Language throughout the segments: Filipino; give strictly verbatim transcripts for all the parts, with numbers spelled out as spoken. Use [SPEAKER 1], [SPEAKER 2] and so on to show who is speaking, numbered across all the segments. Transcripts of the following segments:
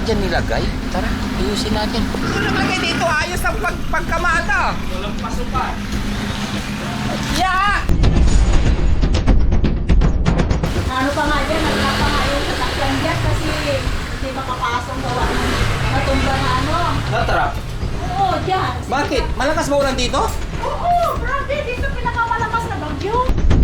[SPEAKER 1] dyan nilagay? Tara, ayusin natin.
[SPEAKER 2] Ito naglagay dito, ayos ang pag pagkamata.
[SPEAKER 3] Walang pasukan.
[SPEAKER 2] Yeah!
[SPEAKER 4] Ano pa nga dyan, nagkapa nga yung sasakyan dyan kasi hindi makapasong gawa ng matumba na ano.
[SPEAKER 2] Natrap.
[SPEAKER 4] Oo, dyan.
[SPEAKER 2] Bakit? Malakas ba ulan dito?
[SPEAKER 4] Oo, grabe, dito pinakamalakas na bagyo.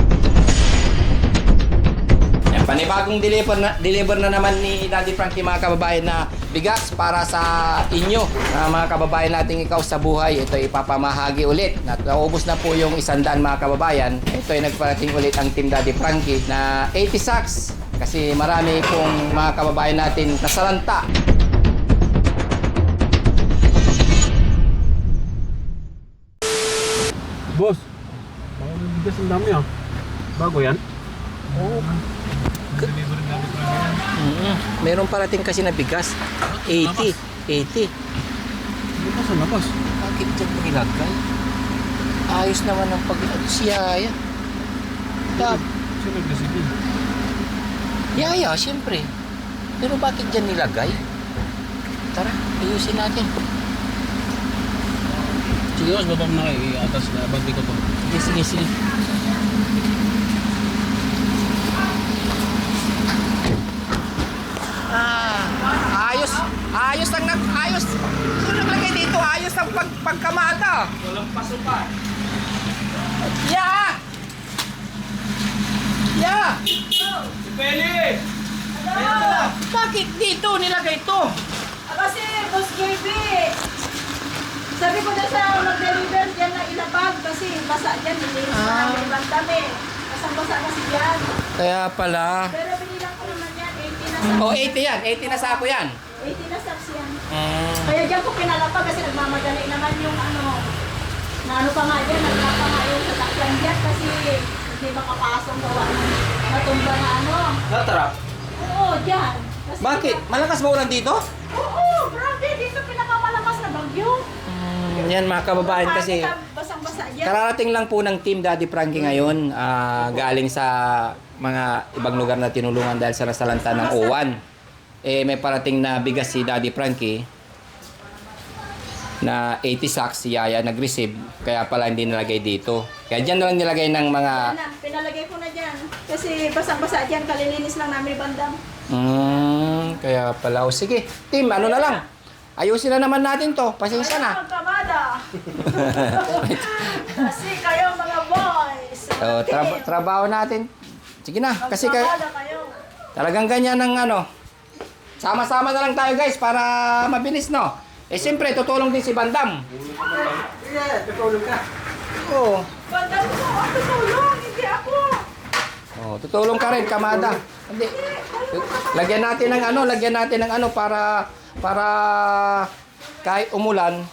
[SPEAKER 2] Yan, panibagong deliver na, deliver na naman ni Daddy Frankie mga kababayan na bigas para sa inyo, na mga kababayan nating ikaw sa buhay. Ito ipapamahagi ulit. Naubos na po yung isandaan mga kababayan. Ito ay nagparating ulit ang Team Daddy Frankie na eighty sacks kasi marami pong mga kababayan natin nasalanta.
[SPEAKER 3] Boss, baka may bigas ang dami ah. Bago yan?
[SPEAKER 2] Oo. Mm-hmm. Meron parating kasi na bigas. eighty. eighty.
[SPEAKER 3] Bukas ang labas.
[SPEAKER 1] Bakit dyan nilagay? Ayos naman ang pag... Si Yaya. Tab.
[SPEAKER 3] Sino nagdesibil?
[SPEAKER 1] Yaya, siyempre. Pero bakit dyan nilagay? Tara, ayusin natin.
[SPEAKER 3] Sige boss, baba mo na kayo. I-atas na bagay ko to.
[SPEAKER 1] Sige, sige, sige.
[SPEAKER 2] Ah, ayos. Ayos ang nag ayos. Ito naglagay dito, ayos ang pag pagkamata.
[SPEAKER 3] Walang pasukan.
[SPEAKER 2] Yeah! Yeah!
[SPEAKER 3] Si Peli!
[SPEAKER 4] Ano?
[SPEAKER 2] Bakit dito nilagay ito?
[SPEAKER 4] Ah, kasi, Boss J B, sabi ko na sa mag-deliver dyan na ilabag kasi basa dyan, nilinis na
[SPEAKER 2] Ah.
[SPEAKER 4] namin ibang dami. Basang-basa kasi dyan.
[SPEAKER 2] Kaya pala.
[SPEAKER 4] Pero binilang ko naman yan, eighty na sa
[SPEAKER 2] Oh, eighty yan. eighty na sako yan.
[SPEAKER 4] eighty na sacks yan.
[SPEAKER 2] Mm.
[SPEAKER 4] Kaya dyan ko pinalapag kasi nagmamadali naman yung ano, na ano pa nga dyan, nagkapa nga yung sasakyan dyan kasi hindi makapasong gawa ng matumba na ano.
[SPEAKER 2] Natrap.
[SPEAKER 4] Oo, dyan. Kasi
[SPEAKER 2] Bakit? Malakas ba ulan dito?
[SPEAKER 4] Oo, grabe, dito pinakamalakas na bagyo.
[SPEAKER 2] Mm, yan mga kababayan kasi
[SPEAKER 4] Basang-basa dyan.
[SPEAKER 2] kararating lang po ng Team Daddy Frankie ngayon, ah, galing sa mga ibang lugar na tinulungan dahil sa nasalanta ng O one. Eh may parating na bigas si Daddy Frankie na eighty sacks, si Yaya nag-receive, kaya pala hindi nilagay dito. Kaya dyan na lang nilagay ng mga...
[SPEAKER 4] Yan na, pinalagay ko na dyan. Kasi basang-basa dyan, kalilinis lang namin bandang.
[SPEAKER 2] Mm, kaya pala. O sige, Team, ano na lang. Ayusin na naman natin to. Pasensya na.
[SPEAKER 4] Kaya magkamada. Kasi kayo mga boys.
[SPEAKER 2] So, tra- trabaho natin. Sige na, kasi kay
[SPEAKER 4] Magkamada kayo.
[SPEAKER 2] talagang ganyan ang ano. Sama-sama na lang tayo guys para mabilis no. Eh siyempre, tutulong din si Bandam.
[SPEAKER 3] Yeah, tutulong ka.
[SPEAKER 2] Oo.
[SPEAKER 4] Bandang ko, ako tulong, hindi ako.
[SPEAKER 2] Oh, tutulong ka rin, Kamada. Hindi. Lagyan natin ng ano, lagyan natin ng ano para para kahit umulan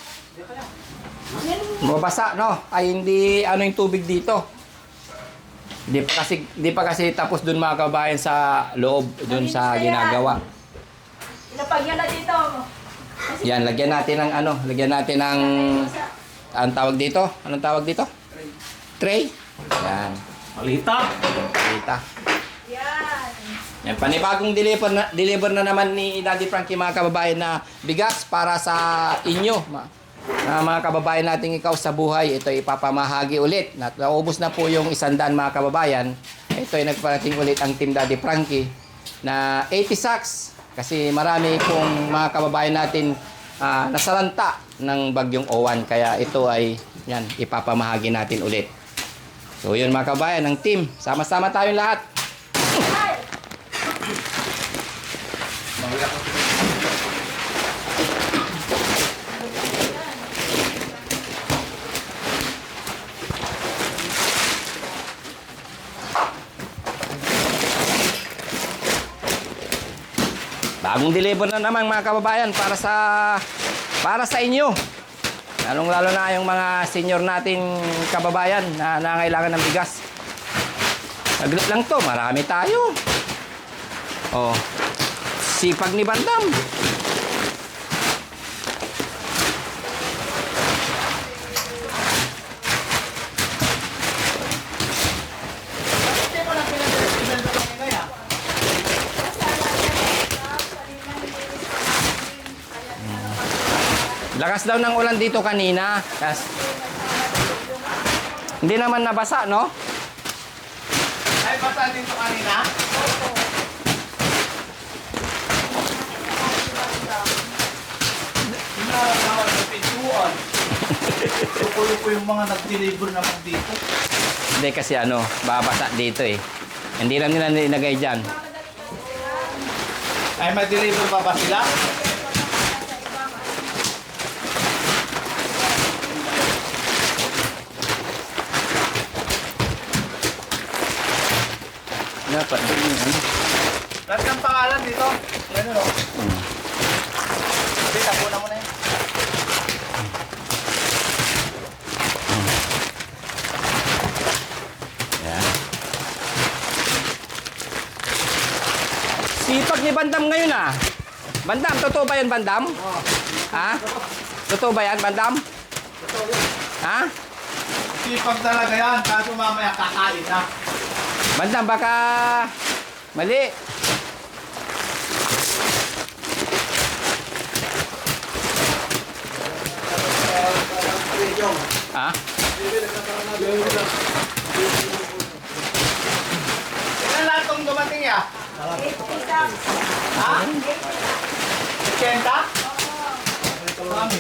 [SPEAKER 2] mabasa no. Ay hindi ano yung tubig dito. Di pa kasi di pa kasi tapos dun mga kabayan sa loob dun sa ginagawa.
[SPEAKER 4] Ilapag yan na dito. Kasi
[SPEAKER 2] Yan, lagyan natin ng ano, lagyan natin ng ang tawag dito. Anong tawag dito? Tray. Yan.
[SPEAKER 3] Malita!
[SPEAKER 2] Kita.
[SPEAKER 4] yan.
[SPEAKER 2] Yan, panibagong deliver na, deliver na naman ni Daddy Frankie mga kababayan na bigas para sa inyo. Ma, na mga kababayan nating ikaw sa buhay. Ito ipapamahagi ulit. Nat- Naubos na po yung isandaan mga kababayan. Ito ay nagparating ulit ang Team Daddy Frankie na eighty sacks. Kasi marami pong mga kababayan natin ah, nasalanta ng bagyong O one. Kaya ito ay yan, ipapamahagi natin ulit. So yun mga kababayan, ng team. Sama-sama tayong lahat.
[SPEAKER 4] Ay,
[SPEAKER 2] Bagong deliver na naman mga kababayan para sa para sa inyo. Lalong lalo na yung mga senior nating kababayan na nangailangan ng bigas. Saglit lang to, marami tayo. Oh. Sipag ni Bandam. Lakas daw ng ulan dito kanina. Kas, hindi naman nabasa, no?
[SPEAKER 1] Ay, basa dito kanina? Hinahawal sa pintuan. Luko-luko yung mga nag-deliver naman dito.
[SPEAKER 2] Hindi kasi ano, babasa dito eh. Hindi lang nila nilagay dyan.
[SPEAKER 1] Ay, mag-deliver pa ba sila?
[SPEAKER 2] Dapat din yun. ano?
[SPEAKER 1] Lahat ng pangalan dito. Ano no? Hindi, tapunan mo na yun.
[SPEAKER 2] Yan. Sipag ni Bandam ngayon ah. Bandam, totoo ba yan Bandam? Ha? Totoo ba yan Bandam? Ha?
[SPEAKER 1] Sipag talaga yan, kaso mamaya kakain na.
[SPEAKER 2] Bandam, baka mali. Ha?
[SPEAKER 1] Ilan lahat tong dumating ya? Ha? Kenta? Mami.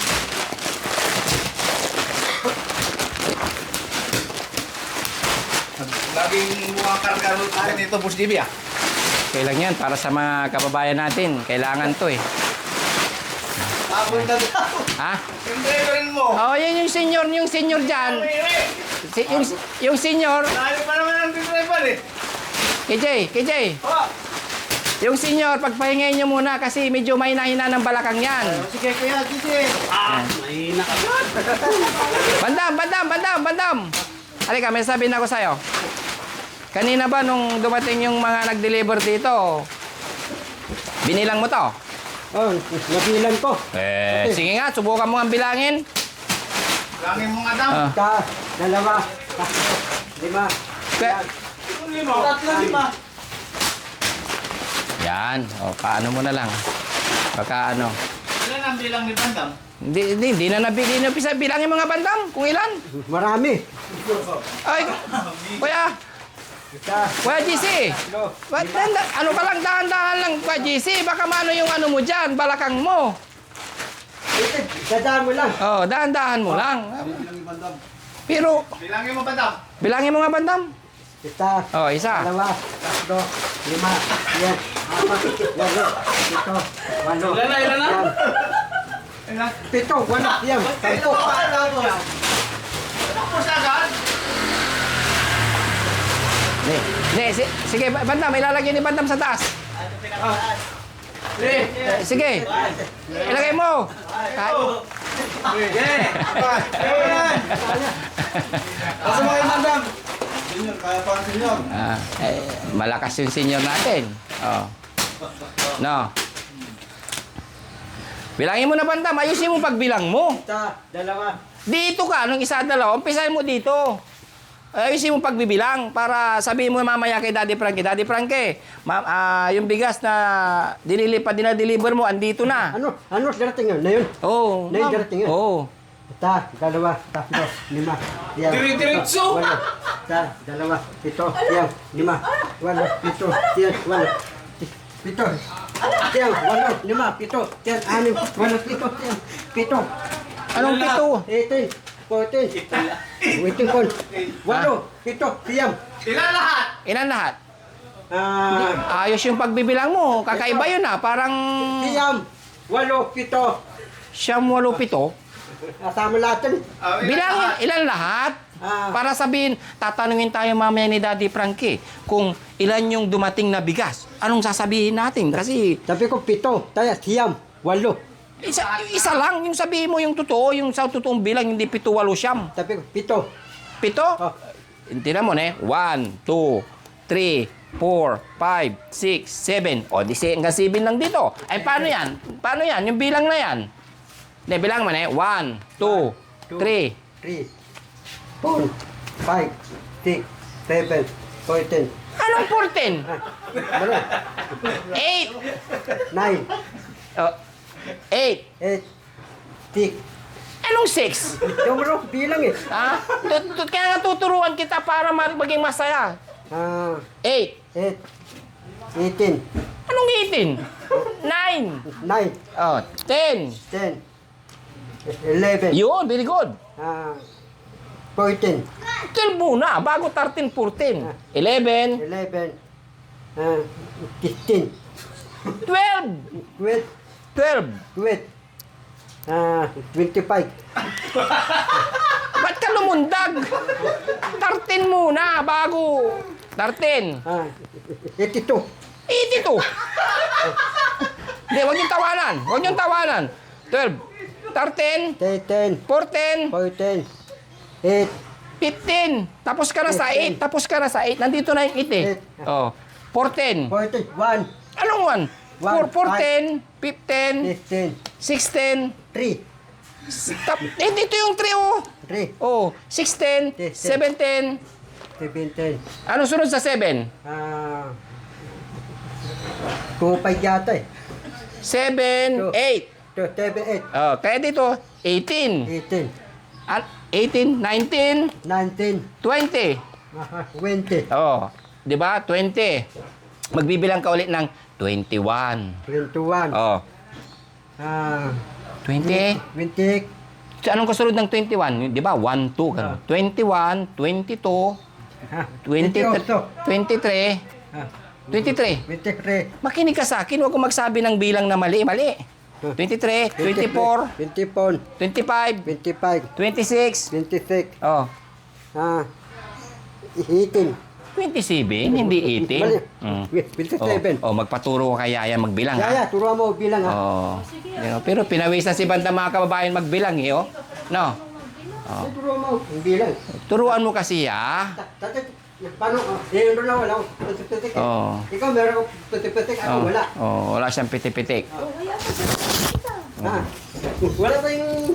[SPEAKER 1] Laging mukhang kargaro tayo nito, Boss J B ah.
[SPEAKER 2] Kailang yan para sa mga kababayan natin. Kailangan to eh.
[SPEAKER 1] Tapos na daw.
[SPEAKER 2] Ha?
[SPEAKER 1] Yung driverin mo.
[SPEAKER 2] Oh, yan yung senior, yung senior dyan.
[SPEAKER 1] Mire.
[SPEAKER 2] Si, yung, yung senior.
[SPEAKER 1] Layo pa naman ang driver eh.
[SPEAKER 2] K J, K J.
[SPEAKER 1] Oh.
[SPEAKER 2] Yung senior, pagpahingayin nyo muna kasi medyo may nahina ng balakang yan.
[SPEAKER 1] Sige kaya, sige. Ah, mahina ka ba?
[SPEAKER 2] Bandam, bandam, bandam, bandam. Halika, may sabihin ako sa'yo. Kanina ba nung dumating yung mga nag-deliver dito, binilang mo to?
[SPEAKER 3] Oh, nabilan ko.
[SPEAKER 2] Eh, sige nga, subukan mo nga bilangin.
[SPEAKER 1] Langin mo nga daw.
[SPEAKER 2] Ah.
[SPEAKER 3] Ka, dalawa, tatlo, lima.
[SPEAKER 2] Kaya-
[SPEAKER 1] Yung lima. Tatlo lima.
[SPEAKER 2] Yan, o, paano mo na lang. Baka ano.
[SPEAKER 1] Ilan ang bilang ni Bandam?
[SPEAKER 2] Hindi, hindi, hindi na nabili na pisa bilangin mga bandam kung ilan.
[SPEAKER 3] Marami.
[SPEAKER 2] Ay, kuya,
[SPEAKER 3] Isa,
[SPEAKER 2] kuya G C.
[SPEAKER 3] tatlo,
[SPEAKER 2] Ba't danda- ano ka lang, dahan-dahan lang, kuya G C. Baka maano yung ano mo dyan, balakang mo.
[SPEAKER 3] ito, dadaan mo lang.
[SPEAKER 2] Oh, dahan-dahan mo lang. Pero,
[SPEAKER 1] Bilangin mo Bandam.
[SPEAKER 2] bilangin mo nga bandam.
[SPEAKER 3] Isa,
[SPEAKER 2] Oh, isa.
[SPEAKER 3] dalawa, tatlo, lima, yan, apat, walo, pito, walo.
[SPEAKER 1] Ilan na, ilan na?
[SPEAKER 3] yan,
[SPEAKER 1] Ilan?
[SPEAKER 3] Pito, walo, yan, sampo.
[SPEAKER 1] Ano po siya agad?
[SPEAKER 2] Hindi, hindi, si- sige, bandam, ilalagay ni bandam sa taas.
[SPEAKER 1] Sige.
[SPEAKER 2] Eh, sige, ilagay mo. Ay,
[SPEAKER 1] Sige. Ayan. Asa mo kayo Bandam? Senior, kaya pa ang senior.
[SPEAKER 2] ah, eh, malakas yung senior natin. Oh. No. Bilangin mo na bandam, ayusin mo pagbilang mo.
[SPEAKER 3] Isa, dalawa,
[SPEAKER 2] Dito ka, nung isa dalawa, umpisahin mo dito. Ayusin mo pagbibilang para sabihin mo mamaya kay Daddy Frankie, Daddy Frankie, ma- ah, yung bigas na dinilipat, dinadeliver mo, andito na.
[SPEAKER 3] ano, ano darating yun, na yun?
[SPEAKER 2] Oo.
[SPEAKER 3] Na yung darating yun?
[SPEAKER 2] Oo.
[SPEAKER 3] Isa, dalawa, tatlo, lima, yan.
[SPEAKER 1] Dire-diretso!
[SPEAKER 3] pito, walo. Isa, dalawa, pito, yan, lima, walo, pito, yan, walo. Pito, yan, walo, lima, pito, yan, anim, walo, pito, yan, pito.
[SPEAKER 2] Anong pito?
[SPEAKER 3] eighteen, fourteen, eighteen, walo, pito, siyam.
[SPEAKER 1] Ilan lahat?
[SPEAKER 2] Ilan lahat?
[SPEAKER 3] Ah,
[SPEAKER 2] Ayos yung pagbibilang mo. Kakaiba yun ah. Parang
[SPEAKER 3] siyam, walo, pito.
[SPEAKER 2] siyam, walo, pito.
[SPEAKER 3] Kasama lahat yun.
[SPEAKER 1] Ah, ilan
[SPEAKER 2] Bilangin,
[SPEAKER 1] lahat?
[SPEAKER 2] ilan lahat?
[SPEAKER 3] Ah.
[SPEAKER 2] Para sabihin, tatanungin tayo mamaya ni Daddy Frankie kung ilan yung dumating na bigas. Anong sasabihin natin? Kasi
[SPEAKER 3] Sabi ko, pito, tayo, siyam, walo.
[SPEAKER 2] isa, isa lang. Yung sabihin mo yung totoo, yung sa totoong bilang, hindi pito, walo, siyam.
[SPEAKER 3] Sabi ko, pito.
[SPEAKER 2] Pito?
[SPEAKER 3] Oh.
[SPEAKER 2] Tingnan mo na eh. One, two, three, four, five, six, seven. O, di si hanggang seven lang dito. Ay, paano yan? Paano yan? Yung bilang na yan. Hindi, bilang mo na eh. One, two,
[SPEAKER 3] two,
[SPEAKER 2] three.
[SPEAKER 3] three, four, five, six, seven, fourteen,
[SPEAKER 2] Anong fourteen?
[SPEAKER 3] ah, wala,
[SPEAKER 2] Eight.
[SPEAKER 3] nine,
[SPEAKER 2] Oh, eight.
[SPEAKER 3] eight, Tik.
[SPEAKER 2] Anong six?
[SPEAKER 3] Numero, bilang eh.
[SPEAKER 2] Ha? Tut- tut- Kaya nga tuturuan kita para ma- maging masaya.
[SPEAKER 3] Ah,
[SPEAKER 2] Eight.
[SPEAKER 3] eight. Eighteen.
[SPEAKER 2] Anong eighteen? Nine.
[SPEAKER 3] Nine.
[SPEAKER 2] Oh, ten.
[SPEAKER 3] Ten. Eleven.
[SPEAKER 2] Yun, very good.
[SPEAKER 3] Ah, fourteen.
[SPEAKER 2] twelve muna, bago thirteen, fourteen. eleven.
[SPEAKER 3] Eleven. Ah, fifteen.
[SPEAKER 2] twelve.
[SPEAKER 3] Wait.
[SPEAKER 2] twelve.
[SPEAKER 3] Wait. Ah, twenty-five.
[SPEAKER 2] Ba't ka lumundag? thirteen muna, bago. thirteen.
[SPEAKER 3] Ah, eighty-two.
[SPEAKER 2] eighty-two. Hindi, huwag niyong tawanan. Huwag niyong tawanan. twelve. thirteen.
[SPEAKER 3] Thirteen.
[SPEAKER 2] fourteen.
[SPEAKER 3] Fourteen. Eight.
[SPEAKER 2] fifteen. Tapos ka na sa eight. Tapos ka na sa eight. Nandito na yung eight eh.
[SPEAKER 3] Eight.
[SPEAKER 2] Oh. fourteen.
[SPEAKER 3] Fourteen. One.
[SPEAKER 2] Anong one?
[SPEAKER 3] One,
[SPEAKER 2] Four, fourteen. fifteen.
[SPEAKER 3] Fifteen.
[SPEAKER 2] sixteen.
[SPEAKER 3] Three.
[SPEAKER 2] Tap, eh, dito yung three oh.
[SPEAKER 3] Three.
[SPEAKER 2] Oh, sixteen.
[SPEAKER 3] Yes, yes.
[SPEAKER 2] seventeen.
[SPEAKER 3] Seventeen.
[SPEAKER 2] Ano sunod sa seven?
[SPEAKER 3] Ah, two, five yata eh.
[SPEAKER 2] seven,
[SPEAKER 3] Two.
[SPEAKER 2] eight.
[SPEAKER 3] Two, seven, eight.
[SPEAKER 2] Oh, kaya dito, eighteen.
[SPEAKER 3] Eighteen.
[SPEAKER 2] At eighteen, nineteen,
[SPEAKER 3] Nineteen.
[SPEAKER 2] twenty.
[SPEAKER 3] Ah, twenty.
[SPEAKER 2] Oh, 'di ba? twenty. Magbibilang ka ulit ng twenty-one.
[SPEAKER 3] Twenty-one.
[SPEAKER 2] Oh,
[SPEAKER 3] Ah,
[SPEAKER 2] twenty.
[SPEAKER 3] twenty.
[SPEAKER 2] So, anong kasunod ng twenty-one? 'Di ba? one, two, ganun. twenty-one, twenty-two,
[SPEAKER 3] Ah,
[SPEAKER 2] twenty,
[SPEAKER 3] twenty-eight.
[SPEAKER 2] twenty-three,
[SPEAKER 3] Ah,
[SPEAKER 2] twenty-three.
[SPEAKER 3] twenty-three.
[SPEAKER 2] Makinig ka sa akin, huwag kong magsabi ng bilang na mali. Mali. twenty-three, twenty-four,
[SPEAKER 3] Twenty-four.
[SPEAKER 2] twenty-five,
[SPEAKER 3] Twenty-five.
[SPEAKER 2] twenty-six.
[SPEAKER 3] Twenty-six.
[SPEAKER 2] Oh,
[SPEAKER 3] Ah, eighteen.
[SPEAKER 2] twenty-seven, hindi eighteen.
[SPEAKER 3] Mali.
[SPEAKER 2] Mm.
[SPEAKER 3] Twenty-seven.
[SPEAKER 2] Oh, oh, magpaturo ka kay Yaya magbilang, ha?
[SPEAKER 3] Yaya, turuan mo bilang ha.
[SPEAKER 2] Oh. You know, pero pinawisan si Banda mga kababayan magbilang, eh, oh. No?
[SPEAKER 3] Oh. Turuan mo ang bilang.
[SPEAKER 2] Turuan mo kasi, ah.
[SPEAKER 3] Dati, paano? Eh, yun na wala akong putik-putik eh.
[SPEAKER 2] Oo.
[SPEAKER 3] Ikaw meron akong putik-putik, ako
[SPEAKER 2] Oh,
[SPEAKER 3] wala.
[SPEAKER 2] oh, wala siyang pitik-pitik.
[SPEAKER 3] Ha? Wala tayong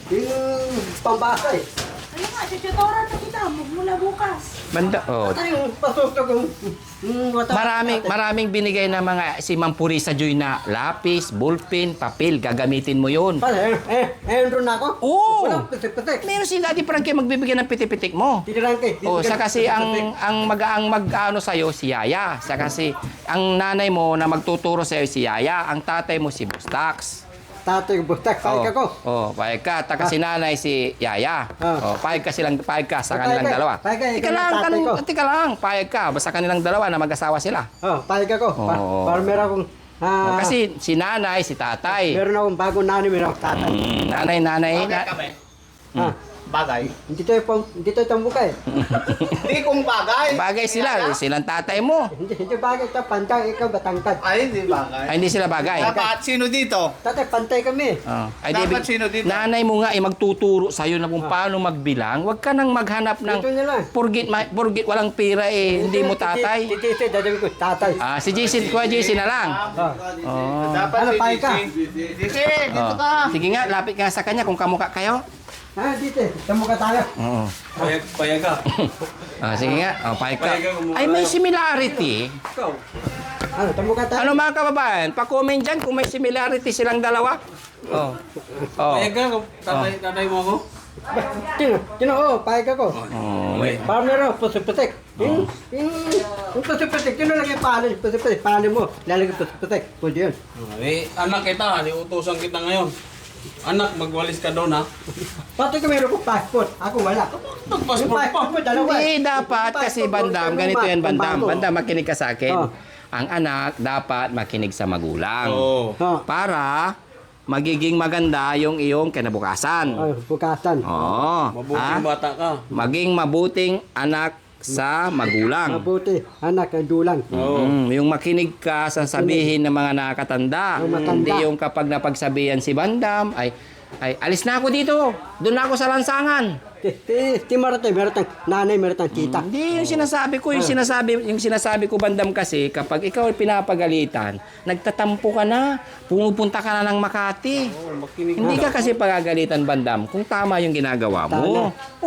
[SPEAKER 3] yung pambasa eh.
[SPEAKER 4] Ano nga, tututoran na kita, mula bukas.
[SPEAKER 2] Banda, oh.
[SPEAKER 3] Ito yung pasusto kong yung wata-
[SPEAKER 2] Maraming maraming binigay na mga si Ma'am Purisa Joy na lapis, ballpen, papel, gagamitin mo 'yon.
[SPEAKER 3] Pala, eh, eh, eh, doon na ako.
[SPEAKER 2] Oo.
[SPEAKER 3] Walang putik-putik.
[SPEAKER 2] Meron si Daddy Frankie magbibigay ng pitik-pitik mo.
[SPEAKER 3] Tinilang kay.
[SPEAKER 2] Oh, sa kasi ang ang mag-ang mag-ano sa si Yaya. Sa kasi ang nanay mo na magtuturo sa si Yaya, ang tatay mo si Bustax.
[SPEAKER 3] Tatay ko, bustak, pahig ako.
[SPEAKER 2] Oh, pahig ka. Taka si nanay si Yaya.
[SPEAKER 3] Ah.
[SPEAKER 2] Oh, pahig ka silang pahig ka sa
[SPEAKER 3] Pahig
[SPEAKER 2] kanilang
[SPEAKER 3] ka.
[SPEAKER 2] dalawa.
[SPEAKER 3] Pahig ka, ikaw
[SPEAKER 2] Tika
[SPEAKER 3] yung
[SPEAKER 2] lang,
[SPEAKER 3] tatay
[SPEAKER 2] kan,
[SPEAKER 3] ko.
[SPEAKER 2] tika lang, pahig ka. Basta kanilang dalawa na mag-asawa sila.
[SPEAKER 3] Oh, pahig ako. Pa,
[SPEAKER 2] Oo.
[SPEAKER 3] para meron akong,
[SPEAKER 2] Oh,
[SPEAKER 3] ah,
[SPEAKER 2] kasi si nanay, si tatay.
[SPEAKER 3] meron akong bagong nanay, meron akong tatay.
[SPEAKER 2] Mm, nanay, nanay.
[SPEAKER 1] Bagay
[SPEAKER 2] Na,
[SPEAKER 1] kami.
[SPEAKER 2] Hmm.
[SPEAKER 3] Ah,
[SPEAKER 1] Bagay.
[SPEAKER 3] hindi tayo pang, hindi tayo tambuka eh.
[SPEAKER 1] Hindi kung bagay.
[SPEAKER 2] bagay sila, silang tatay mo.
[SPEAKER 3] Hindi, hindi bagay ito, pantay, ikaw batangkad.
[SPEAKER 1] Ay, hindi bagay.
[SPEAKER 2] Ay, hindi sila bagay.
[SPEAKER 1] Dapat sino dito?
[SPEAKER 3] Tatay, pantay kami.
[SPEAKER 2] Oh. Ay,
[SPEAKER 1] Dapat
[SPEAKER 2] di,
[SPEAKER 1] sino dito?
[SPEAKER 2] nanay mo nga ay magtuturo sa'yo na kung paano magbilang. Huwag ka nang maghanap ng
[SPEAKER 3] Dito nila.
[SPEAKER 2] forget, ma- forget walang pira eh, hindi mo tatay.
[SPEAKER 3] Titi, titi, dadawin ko, tatay.
[SPEAKER 2] Ah, si Jason, kuya Jason na lang.
[SPEAKER 3] Ah.
[SPEAKER 2] Oh.
[SPEAKER 1] Dapat
[SPEAKER 3] Ano,
[SPEAKER 1] si
[SPEAKER 3] pahig ka?
[SPEAKER 1] Dito, dito
[SPEAKER 2] Oh.
[SPEAKER 1] ka.
[SPEAKER 2] Sige nga, lapit ka sa kanya kung kamukha kayo.
[SPEAKER 3] Ah, dito, tambuka tayo.
[SPEAKER 2] Oo.
[SPEAKER 1] Payag, payag ka.
[SPEAKER 2] Ah, sige nga, oh, pahig ka.
[SPEAKER 1] Pahig ka, kamukha
[SPEAKER 2] Ay, may
[SPEAKER 1] tayo.
[SPEAKER 2] similarity.
[SPEAKER 1] Ikaw.
[SPEAKER 3] Ano, tambuka tayo.
[SPEAKER 2] Ano mga kababayan, pa-comment dyan kung may similarity silang dalawa. Oh. Oh.
[SPEAKER 1] Payag ka, tatay, tatay mo ako.
[SPEAKER 3] Tino, tino, oh, pahig ako.
[SPEAKER 2] Oh, wait.
[SPEAKER 3] Para meron, pusiputik. Yung, yung, yung pusiputik, tino lagay palin, pusiputik, palin mo, lalagay pusiputik. Pwede yun.
[SPEAKER 5] Eh, anak kita, utusan kita ngayon. Anak, magwalis ka doon ha.
[SPEAKER 3] Pati ka meron ko passport, ako wala. Yung
[SPEAKER 5] Nagpassport pa.
[SPEAKER 3] passport mo, dalawa.
[SPEAKER 2] Hindi,
[SPEAKER 3] eh.
[SPEAKER 2] dapat
[SPEAKER 3] Yung
[SPEAKER 2] kasi
[SPEAKER 3] passport mo,
[SPEAKER 2] bandam,
[SPEAKER 3] ikaw
[SPEAKER 2] ganito
[SPEAKER 3] naman,
[SPEAKER 2] yan bandam.
[SPEAKER 3] pambago.
[SPEAKER 2] Bandam, makinig ka sa akin.
[SPEAKER 3] Oh.
[SPEAKER 2] Ang anak dapat makinig sa magulang.
[SPEAKER 5] Oo.
[SPEAKER 3] Oh,
[SPEAKER 2] Para magiging maganda yung iyong kinabukasan.
[SPEAKER 3] oh, bukasan.
[SPEAKER 2] Oo.
[SPEAKER 5] Mabuting
[SPEAKER 2] Ha?
[SPEAKER 5] bata ka.
[SPEAKER 2] Maging mabuting anak sa magulang.
[SPEAKER 3] Mabuti, anak, ang dulang.
[SPEAKER 5] Oo.
[SPEAKER 2] Mm, yung makinig ka sa sabihin ng mga nakatanda.
[SPEAKER 3] Yung matanda.
[SPEAKER 2] Hindi yung kapag napagsabihan si Bandam, ay, ay alis na ako dito. Doon na ako sa lansangan.
[SPEAKER 3] Ti, ti, ti Marate, meron tang nanay, meron tang tita.
[SPEAKER 2] Hindi yung sinasabi ko, yung sinasabi, yung sinasabi ko Bandam kasi kapag ikaw ay pinapagalitan, nagtatampo ka na, pumupunta ka na ng Makati.
[SPEAKER 5] Makinig
[SPEAKER 2] Hindi ka kasi pagagalitan Bandam kung tama yung ginagawa mo.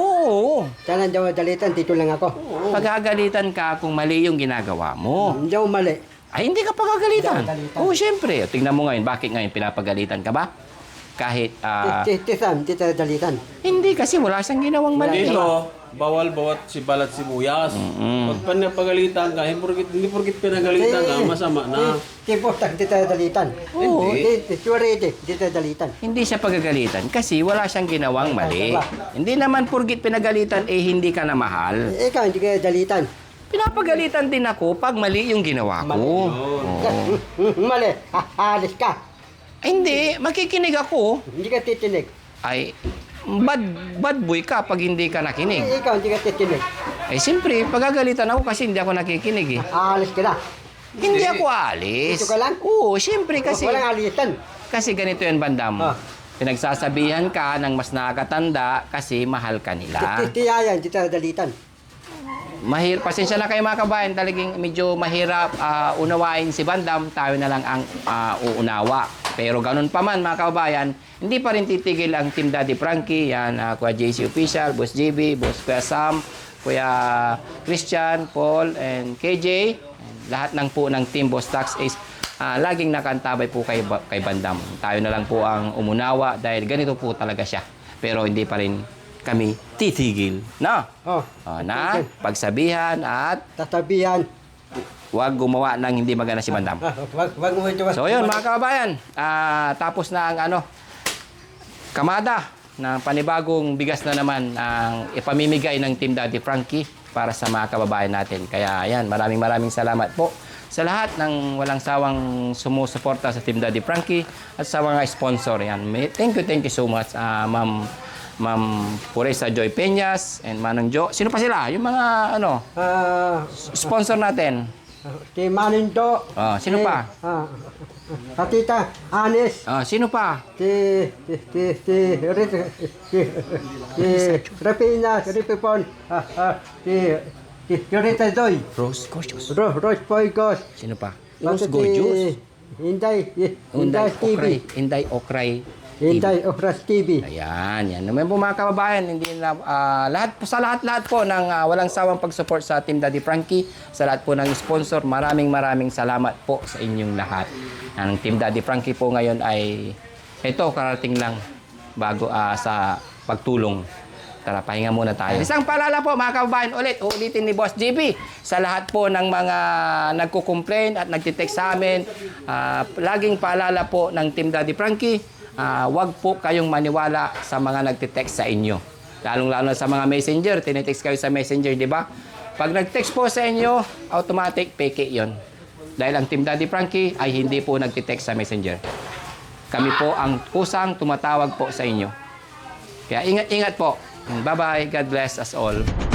[SPEAKER 2] Oo.
[SPEAKER 3] Sana daw dalitan, dito lang ako.
[SPEAKER 2] Pagagalitan ka kung mali yung ginagawa mo.
[SPEAKER 3] Hindi ako mali.
[SPEAKER 2] Ay, hindi ka pagagalitan.
[SPEAKER 3] Hindi ako galitan.
[SPEAKER 2] Oo, syempre. Tingnan mo ngayon, bakit ngayon pinapagalitan ka ba? kahit ah,
[SPEAKER 3] Tita Sam, Tita Dalitan.
[SPEAKER 2] hindi kasi wala siyang ginawang mali.
[SPEAKER 5] Dito, bawal bawat si balat sibuyas. Pag pinapagalitan ka, hindi porkit, hindi porkit pinagalitan ka, masama na.
[SPEAKER 3] Si Bostag, Tita Dalitan.
[SPEAKER 2] Oo.
[SPEAKER 3] Si Surete, Tita Dalitan.
[SPEAKER 2] Hindi siya pagagalitan kasi wala siyang ginawang mali. Hindi naman purgit pinagalitan eh hindi ka na mahal.
[SPEAKER 3] Ikaw, hindi ka dalitan.
[SPEAKER 2] Pinapagalitan din ako pag mali yung ginawa ko. Oo.
[SPEAKER 3] Mali, alis ka.
[SPEAKER 2] Ay, hindi, makikinig ako.
[SPEAKER 3] Hindi ka titinig.
[SPEAKER 2] Ay, bad, bad boy ka pag hindi ka nakinig.
[SPEAKER 3] Ikaw, hindi ka titinig.
[SPEAKER 2] Eh, siyempre, pagagalitan ako kasi hindi ako nakikinig eh.
[SPEAKER 3] Alis ka na.
[SPEAKER 2] Hindi ako alis.
[SPEAKER 3] Dito ka lang?
[SPEAKER 2] Oo, siyempre kasi.
[SPEAKER 3] Walang alitan.
[SPEAKER 2] Kasi ganito yan, Bandam.
[SPEAKER 3] Ah.
[SPEAKER 2] Pinagsasabihan ka ng mas nakakatanda kasi mahal ka nila.
[SPEAKER 3] Titiyayan, Tita Dalitan.
[SPEAKER 2] Mahir, pasensya na kayo mga kabayan, talagang medyo mahirap ah, unawain si Bandam, tayo na lang ang ah, uunawa. Pero ganun pa man mga kabayan, hindi pa rin titigil ang Team Daddy Frankie, yan, ah, Kuya J C Official, Boss J B, Boss Kuya Sam, Kuya Christian, Paul, and K J, and lahat ng po ng Team Boss Tax Ace, ah, laging nakantabay po kay, Ba- kay Bandam. Tayo na lang po ang umunawa dahil ganito po talaga siya. Pero hindi pa rin kami titigil. No?
[SPEAKER 3] Oh,
[SPEAKER 2] O, na pagsabihan at
[SPEAKER 3] tatabihan.
[SPEAKER 2] huwag gumawa ng hindi maganda si Bandam.
[SPEAKER 3] Ah, wag, wag mo ito.
[SPEAKER 2] So yun mga kababayan, ah, tapos na ang ano, kamada ng panibagong bigas na naman ang ipamimigay ng Team Daddy Frankie para sa mga kababayan natin. Kaya ayan, maraming maraming salamat po sa lahat ng walang sawang sumusuporta sa Team Daddy Frankie at sa mga sponsor. Yan. May- Thank you, thank you so much, ah, Ma'am Ma'am Puresa Joy Peñas and Manong Jo. Sino pa sila? Yung mga ano,
[SPEAKER 3] Ah,
[SPEAKER 2] sponsor natin.
[SPEAKER 3] si Manindo.
[SPEAKER 2] Oh, sino
[SPEAKER 3] si,
[SPEAKER 2] pa?
[SPEAKER 3] Ah, sa Tita Anis.
[SPEAKER 2] Ah, sino pa?
[SPEAKER 3] Si, si, si, si, Rit- si, si, Rapina, si Ripipon. Ah, ah, si, si, si Rita Zoy.
[SPEAKER 2] Rose Gorgeous.
[SPEAKER 3] Ro, Rose Poygos.
[SPEAKER 2] Sino pa? Rose
[SPEAKER 3] Basta
[SPEAKER 2] Gorgeous.
[SPEAKER 3] si Inday,
[SPEAKER 2] Inday
[SPEAKER 3] Inday T V.
[SPEAKER 2] Okray. Inday Okray.
[SPEAKER 3] Inday Okras T V.
[SPEAKER 2] Ayan, yan. Naman po mga kababayan, hindi na, ah, lahat po, sa lahat-lahat po ng ah, walang sawang pag-support sa Team Daddy Frankie, sa lahat po ng sponsor, maraming maraming salamat po sa inyong lahat. Ang Team Daddy Frankie po ngayon ay, ito, karating lang bago ah, sa pagtulong. Tara, pahinga muna tayo. Isang paalala po mga kababayan, ulit, uulitin ni Boss J B sa lahat po ng mga nagko-complain at nagtitext sa amin. ah, laging paalala po ng Team Daddy Frankie, ah, wag po kayong maniwala sa mga nagtitext sa inyo. Lalong-lalo na sa mga messenger, tinitext kayo sa messenger, di ba? Pag nag-text po sa inyo, automatic peke yon. Dahil ang Team Daddy Frankie ay hindi po nagtitext sa messenger. Kami po ang kusang tumatawag po sa inyo. Kaya ingat-ingat po. Bye-bye. God bless us all.